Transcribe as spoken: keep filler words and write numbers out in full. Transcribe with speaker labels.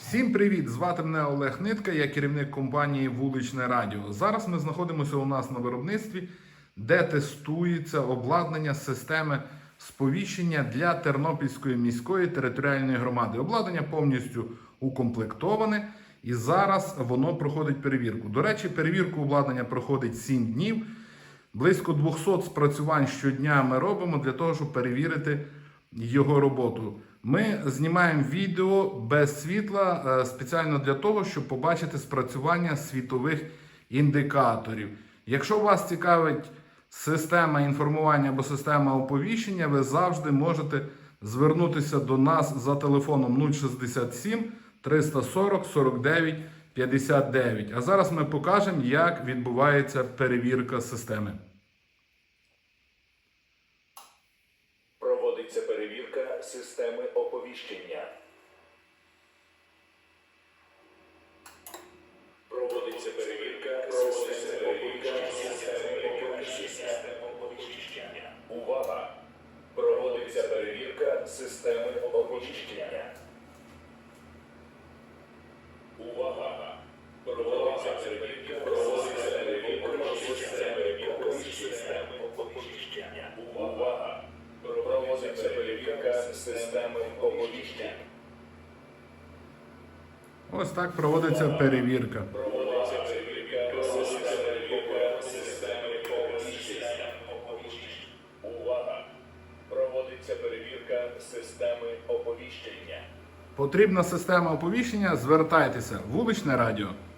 Speaker 1: Всім привіт! Звати мене Олег Нитка, я керівник компанії Вуличне Радіо. Зараз ми знаходимося у нас на виробництві, де тестується обладнання системи сповіщення для Тернопільської міської територіальної громади. Обладнання повністю укомплектоване і зараз воно проходить перевірку. До речі, перевірку обладнання проходить сім днів. Близько двохсот спрацювань щодня ми робимо для того, щоб перевірити його роботу. Ми знімаємо відео без світла спеціально для того, щоб побачити спрацювання світових індикаторів. Якщо вас цікавить система інформування або система оповіщення, ви завжди можете звернутися до нас за телефоном нуль шістдесят сім триста сорок сорок дев'ять п'ятдесят дев'ять. А зараз ми покажемо, як відбувається перевірка системи.
Speaker 2: Проводиться перевірка системи оповіщення. Проводиться перевірка системи оповіщення. Увага! Проводиться перевірка системи оповіщення. Увага! Проводиться перевірка проводиться перевірка системи оповіщення. Увага! Проводиться перевірка системи оповіщення.
Speaker 1: Ось так проводиться перевірка.
Speaker 2: Проводиться перевірка системи оповіщення. Увага! Проводиться перевірка системи оповіщення.
Speaker 1: Потрібна система оповіщення? Звертайтеся. Вуличне радіо.